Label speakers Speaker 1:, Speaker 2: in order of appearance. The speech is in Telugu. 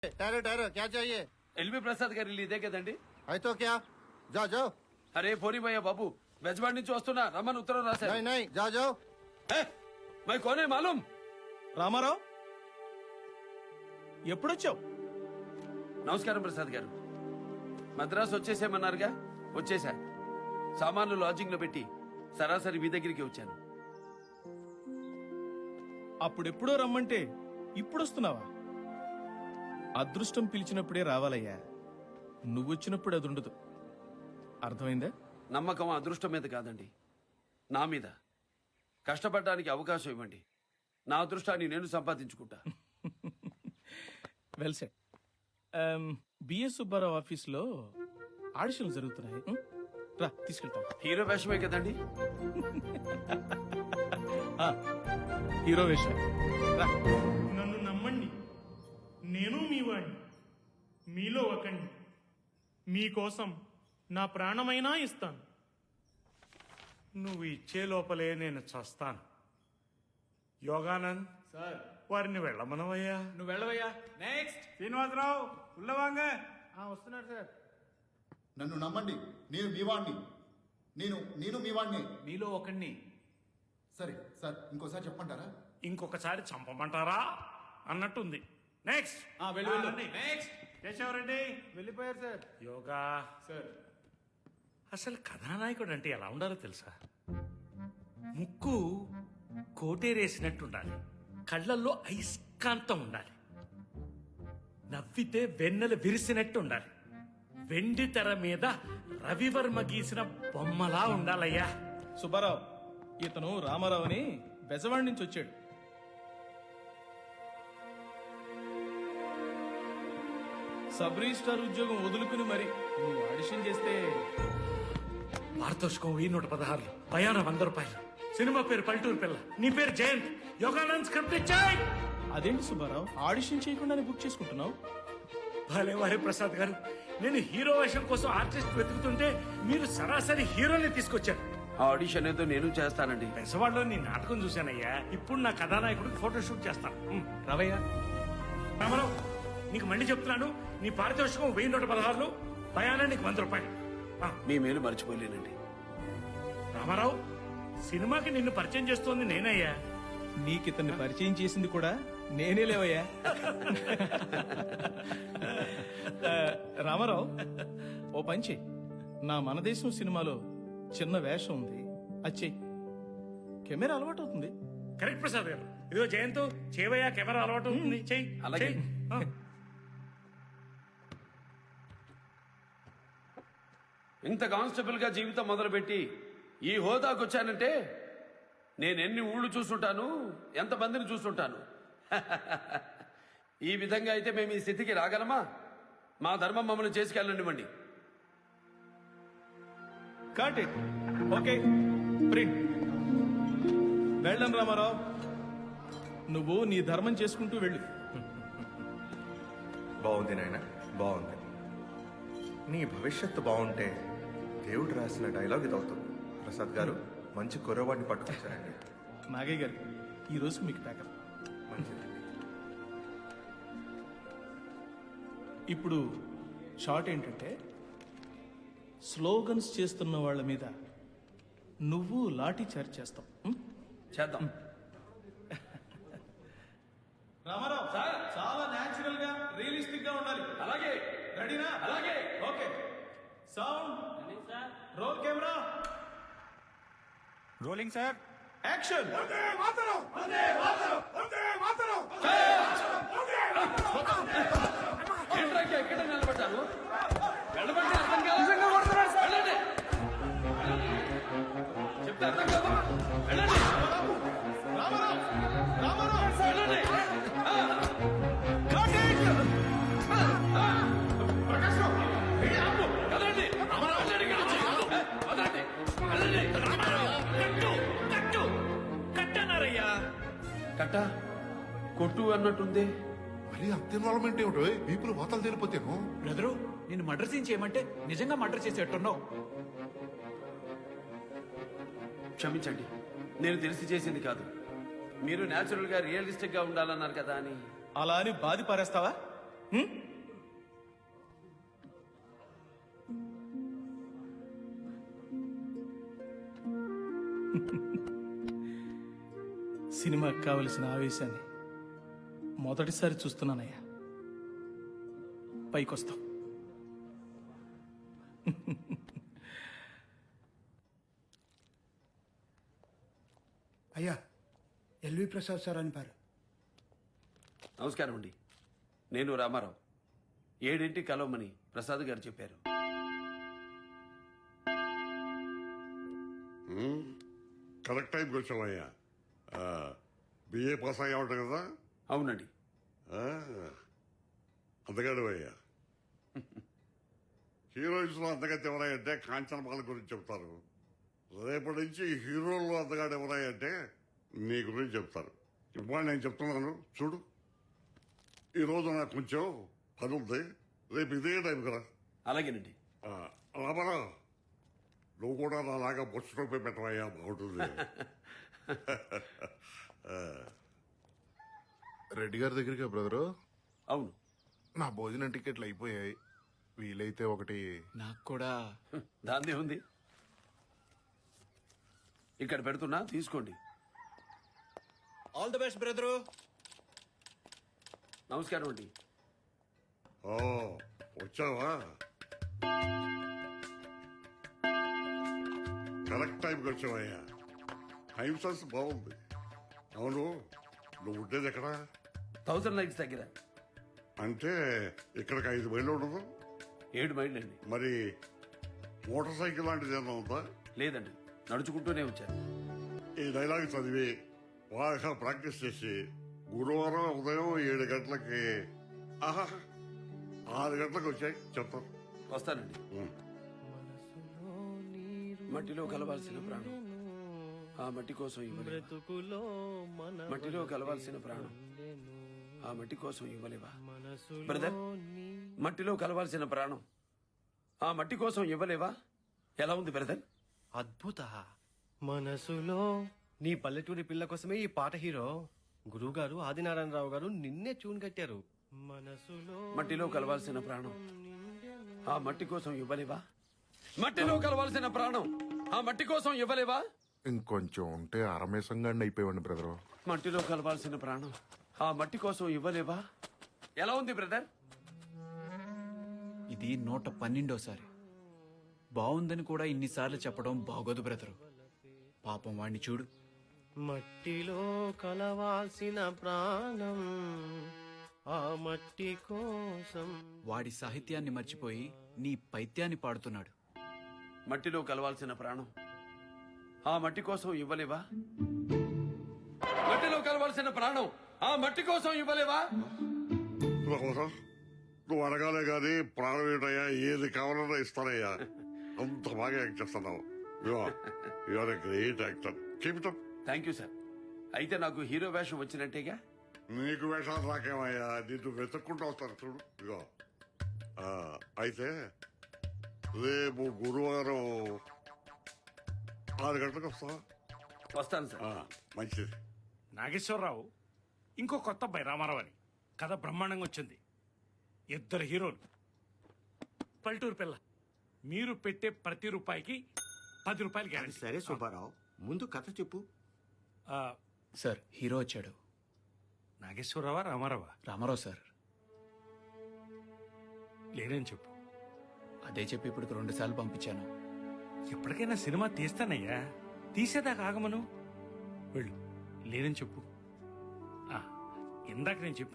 Speaker 1: ठहरो ठहरो क्या चाहिए?
Speaker 2: ఎల్వి ప్రసాద్ గారి ఇల్లు ఇదే కదండి?
Speaker 1: है तो क्या? जाओ जाओ।
Speaker 2: అరే పోనీ భయ్య బాబు, బెజవాడి నుంచి వస్తున్నా, రమ్మని ఉత్తరం రాశారు.
Speaker 1: नहीं नहीं जाओ जाओ।
Speaker 2: మై కోనే మాలూం.
Speaker 3: రామారావు ఎప్పుడొచ్చావు?
Speaker 2: నమస్కారం ప్రసాద్ గారు. మద్రాసు వచ్చేసేమన్నారుగా, వచ్చేసా. సామాన్లు లాడ్జింగ్ లో పెట్టి సరాసరి మీ దగ్గరికి వచ్చాను.
Speaker 3: అప్పుడెప్పుడో రమ్మంటే ఇప్పుడొస్తున్నావా? అదృష్టం పిలిచినప్పుడే రావాలయ్యా. నువ్వొచ్చినప్పుడు అది ఉండదు. అర్థమైందా?
Speaker 2: నమ్మకం అదృష్టం మీద కాదండి, నా మీద. కష్టపడడానికి అవకాశం ఇవ్వండి, నా అదృష్టాన్ని నేను సంపాదించుకుంటా.
Speaker 3: Well set. బిఎస్ సుబ్బారావు ఆఫీస్లో ఆడిషన్లు జరుగుతున్నాయి. రా తీసుకెళ్తాను.
Speaker 2: హీరో వేషమే కదండి?
Speaker 3: హీరో వేషం. రా.
Speaker 4: నన్ను నమ్మండి, నేను మీ వాడిని, మీలో ఒకండి. మీకోసం నా ప్రాణమైనా ఇస్తాను. నువ్వు ఇచ్చే లోపలే నేను చస్తాను. యోగానంద్
Speaker 5: సార్,
Speaker 4: వారిని వెళ్ళమనవయ్యా.
Speaker 5: నువ్వు వెళ్ళవయ్యా. నెక్స్ట్
Speaker 4: శ్రీనివాసరావు ఉల్లవాంగ.
Speaker 1: వస్తున్నాడు సార్.
Speaker 6: నన్ను నమ్మండి, నేను మీ వాణ్ణి. నేను మీ వాణ్ణి.
Speaker 5: మీలో ఒకడిని.
Speaker 6: సరే సార్, ఇంకోసారి చెప్పమంటారా?
Speaker 4: ఇంకొకసారి చంపమంటారా అన్నట్టుంది. నెక్స్ట్
Speaker 5: వెళ్ళు వెళ్ళు. నెక్స్ట్
Speaker 4: కేశవరెడ్డి.
Speaker 1: వెళ్ళిపోయారు సార్.
Speaker 4: యోగా
Speaker 5: సార్,
Speaker 4: అసలు కథానాయకుడు అంటే ఎలా ఉండాలో తెలుసా? ముక్కు కోటేరేసినట్టు ఉండాలి, కళ్ళల్లో అయస్కాంతం ఉండాలి, నవ్వితే వెన్నెల విరిసినట్టు ఉండాలి, వెండి తెర మీద రవివర్మ గీసిన బొమ్మలా ఉండాలయ్యా.
Speaker 3: సుబ్బారావు, ఇతను రామారావు అని బెజవాడి నుంచి వచ్చాడు. సబ్ రిజిస్ట్రార్ ఉద్యోగం వదులుకుని మరి నువ్వు ఆడిషన్ చేస్తే
Speaker 4: పారితోషికం 116, ప్రయాణం 100 రూపాయలు. సినిమా పేరు పల్లెటూరు పిల్ల, నీ పేరు జయంత్. యోగానంద్ స్క్రిప్ట్ ఇచ్చాయి.
Speaker 3: అదేంటి సుబ్బారావు, ఆడిషన్ చేయకుండానే బుక్ చేసుకుంటున్నావు?
Speaker 4: భలే వారే ప్రసాద్ గారు, నేను హీరో వేషం కోసం ఆర్టిస్ట్ వెతుకుతుంటే మీరు సరాసరి హీరోని తీసుకొచ్చారు.
Speaker 2: ఆ ఆడిషన్ ఏదో నేను చేస్తానండి.
Speaker 4: పెసవాడలో నీ నాటకం చూశానయ్యా. ఇప్పుడు నా కథానాయకుడికి ఫోటోషూట్ చేస్తాను.
Speaker 3: రవయ్య,
Speaker 4: రామారావు, నీకు మళ్ళీ చెప్తున్నాను, నీ పారితోషికం 1116, ప్రయాణానికి 100 రూపాయలు.
Speaker 2: మీ మేలు మర్చిపోలేనండి.
Speaker 4: రామారావు, సినిమాకి నిన్ను పరిచయం చేస్తోంది నేనయ్యా.
Speaker 3: నీకితన్ని పరిచయం చేసింది కూడా నేనే లేవయ్యా. రామారావు, ఓ పని చెయ్యి. నా మనదేశం సినిమాలో చిన్న వేషం ఉంది, అది చెయ్యి. కెమెరా అలవాటు అవుతుంది.
Speaker 4: కరెక్ట్ ప్రసాద్ గారు. ఇదిగో జయంత్, చేవయ్యా, కెమెరా అలవాటు అవుతుంది. చెయ్యి.
Speaker 2: అలాగే.
Speaker 4: చెయ్యి.
Speaker 2: ఇంత కానిస్టేబుల్ గా జీవితం మొదలుపెట్టి ఈ హోదాకు వచ్చానంటే నేను ఎన్ని ఊళ్ళు చూస్తుంటాను, ఎంతమందిని చూస్తుంటాను. ఈ విధంగా అయితే మేము ఈ స్థితికి రాగలమా? మా ధర్మం మమ్మల్ని చేసుకెళ్ళనివ్వండి.
Speaker 3: Cut it. Okay, print. వెళ్ళం రామారావు, నువ్వు నీ ధర్మం చేసుకుంటూ వెళ్ళు.
Speaker 7: బాగుంది నాయన, బాగుంది. నీ భవిష్యత్తు బాగుంటే దేవుడు రాసిన డైలాగ్ ఇది అవుతుంది. ప్రసాద్ గారు, మంచి కుర్రవాడిని పట్టుకొచ్చారండి.
Speaker 3: నాగయ్య గారు, ఈ రోజు మీకు ప్యాకప్.
Speaker 7: మంచిది.
Speaker 3: ఇప్పుడు షార్ట్ ఏంటంటే, స్లోగన్స్ చేస్తున్న వాళ్ళ మీద నువ్వు లాఠీ చార్జ్ చేస్తావు.
Speaker 2: చేద్దాం.
Speaker 3: రామారావు, చాలా న్యాచురల్ గా, రియలిస్టిక్ గా ఉండాలి.
Speaker 2: అలాగే.
Speaker 3: రెడీనా?
Speaker 2: అలాగే.
Speaker 3: Okay. Sound, roll camera,
Speaker 5: rolling sir.
Speaker 3: Action.
Speaker 2: ఏంట్రాకి ఎక్కడ నిలబడ్డారు? వెళ్ళమంటే అర్థం కాదు. వెళ్ళండి. చెప్తే అర్థం కాదు. వెళ్ళండి.
Speaker 3: రామారావు, రామారావు,
Speaker 2: వెళ్ళండి.
Speaker 3: Cut it.
Speaker 2: ప్రకాశం, ఏ ఆపు. కదలండి. వెళ్ళండి ఇక్కడి నుంచి. వదలండి. వెళ్ళండి.
Speaker 4: కట్టు కట్టనారయ్యా.
Speaker 2: కట్ట కొట్టు అన్నట్టుంది.
Speaker 6: మరి అంత ఇన్వాల్వ్మెంట్ ఏమిటో? పీపుల్ వాతాలు తెలిపోతేను.
Speaker 5: బ్రదరు, నేను మర్డర్ సీన్ చేయమంటే నిజంగా మర్డర్ చేసేట్టున్నావు.
Speaker 2: క్షమించండి, నేను తెలిసి చేసింది కాదు. మీరు న్యాచురల్ గా రియలిస్టిక్ గా ఉండాలన్నారు కదా అని.
Speaker 3: అలా అని బాధి పారేస్తావా? సినిమాకి కావలసిన ఆవేశాన్ని మొదటిసారి చూస్తున్నానయ్యా. పైకొస్తాం.
Speaker 8: అయ్యా ఎల్వి ప్రసాద్ సార్ అనిపారు.
Speaker 2: నమస్కారం అండి. నేను రామారావు. 7ంటికి కలవమని ప్రసాద్ గారు చెప్పారు.
Speaker 9: కరెక్ట్ టైంకి వచ్చావయ్యా. బిఏ పాస్ అయ్యా ఉంటావు కదా.
Speaker 2: అవునండి.
Speaker 9: అందగాడు అయ్యా. హీరోయిన్స్ లో అందగతి ఎవరాయంటే కాంచనమాల గురించి చెప్తారు. రేపటి నుంచి హీరోల్లో అందగాడు ఎవరాయంటే నీ గురించి చెప్తారు. ఇప్పుడు నేను చెప్తున్నాను చూడు. ఈరోజు నాకు కొంచెం పని ఉంది. రేపు ఇదే టైం కదా.
Speaker 2: అలాగేనండి.
Speaker 9: రామారావు నువ్వు కూడా నాలాగా బొచ్చు టోపీ పెట్టవయ్యా, బాగుంటుంది.
Speaker 1: రెడ్డి గారి దగ్గరికి బ్రదరు.
Speaker 2: అవును.
Speaker 1: నా భోజనం టికెట్లు అయిపోయాయి. వీలైతే ఒకటి.
Speaker 5: నాకు కూడా.
Speaker 2: దాందే ఉంది. ఇక్కడ పెడుతున్నా, తీసుకోండి.
Speaker 5: All the best brother.
Speaker 2: నమస్కారం అండి.
Speaker 9: ఓ వచ్చావా? కరెక్ట్ టైంకి వచ్చావయ్యా. టైం సెన్స్ బాగుంది. అవును నువ్వు ఉండేది ఎక్కడ?
Speaker 2: 1000 లైక్స్ దగ్గర.
Speaker 9: అంటే ఇక్కడికి 5 మైళ్ళు ఉండదు.
Speaker 2: 7 మైళ్ళు అండి.
Speaker 9: మరి మోటార్ సైకిల్ లాంటిది ఏమన్నా ఉందా?
Speaker 2: లేదండి, నడుచుకుంటూనే వచ్చాను.
Speaker 9: ఈ డైలాగ్ చదివి బాగా ప్రాక్టీస్ చేసి గురువారం ఉదయం 7 గంటలకి 6 గంటలకు వచ్చాయి చెప్తాను.
Speaker 2: వస్తానండి. మట్టిలో కలవాల్సిన ప్రాణం ఆ మట్టి కోసం ఇవ్వలేవా? మట్టిలో కలవాల్సిన ప్రాణం ఆ మట్టి కోసం ఇవ్వలేవా? బ్రదర్, మట్టిలో కలవాల్సిన ప్రాణం ఆ మట్టి కోసం ఇవ్వలేవా? ఎలా ఉంది బ్రదర్?
Speaker 10: అద్భుత. మనసులో నీ పల్లెటూరి పిల్ల కోసమే ఈ పాట హీరో. గురువు గారు ఆదినారాయణరావు గారు నిన్నే ట్యూన్ కట్టారు. మనసులో
Speaker 2: మట్టిలో కలవాల్సిన ప్రాణం ఆ మట్టి కోసం ఇవ్వలేవా? మట్టిలో కలవాల్సిన ప్రాణం ఆ మట్టి కోసం ఇవ్వలేవా?
Speaker 1: ఇంకొంచెం ఉంటే అరమేసంగాండి అయిపోయావండి బ్రదరు.
Speaker 2: మట్టిలో కలవాల్సిన ప్రాణం ఆ మట్టి కోసం ఇవ్వలేవా? ఎలా ఉంది బ్రదర్?
Speaker 5: ఇది 112సారి. బాగుందని కూడా ఇన్నిసార్లు చెప్పడం బాగోదు బ్రదరు. పాపం వాణ్ణి చూడు.
Speaker 10: మట్టిలో కలవాల్సిన ప్రాణం ఆ మట్టి కోసం.
Speaker 5: వాడి సాహిత్యాన్ని మర్చిపోయి నీ పైత్యాన్ని పాడుతున్నాడు.
Speaker 2: మట్టిలో కలవాల్సిన ప్రాణం ఆ మట్టి కోసం ఇవ్వలేవా? మట్టిలో కలవాల్సిన ప్రాణం ఆ మట్టి కోసం ఇవ్వలేవా?
Speaker 9: రామారావు నువ్వు అడగాలే గాని ప్రాణం ఏంటయ్యా, ఏది కావాలన్నా ఇస్తానయ్యా. అంత బాగా యాక్ట్ చేస్తున్నావు. You are a great actor. Keep it up.
Speaker 2: Thank you sir. అయితే నాకు హీరో వేషం వచ్చినట్టేగా?
Speaker 9: నీకు వేషాలు రాకేమయ్యా, నిన్ను వెతుక్కుంటూ వస్తాను చూడు. ఇగో అయితే రేపు గురువారం 6 గంటలకు వస్తావా?
Speaker 2: వస్తాను సార్.
Speaker 9: మంచిది.
Speaker 4: నాగేశ్వరరావు ఇంకో కొత్త అబ్బాయి రామారావు అని కథ బ్రహ్మాండంగా వచ్చింది. 2 హీరోలు, పల్లెటూరు పిల్ల. మీరు పెట్టే ప్రతి రూపాయికి 10 రూపాయలు గ్యారెంటీ.
Speaker 10: సరే సుబ్బారావు, ముందు కథ చెప్పు.
Speaker 5: సార్, హీరో వచ్చాడు.
Speaker 4: నాగేశ్వరరావా రామారావా?
Speaker 5: రామారావు సార్.
Speaker 4: లేదని చెప్పు.
Speaker 5: అదే చెప్పి ఇప్పుడు 2 సార్లు పంపించాను.
Speaker 4: ఎప్పటికైనా సినిమా తీస్తానయ్యా, తీసేదాకా ఆగమను. వెళ్ళు, లేదని చెప్పు. ఇందాక నేను చెప్పి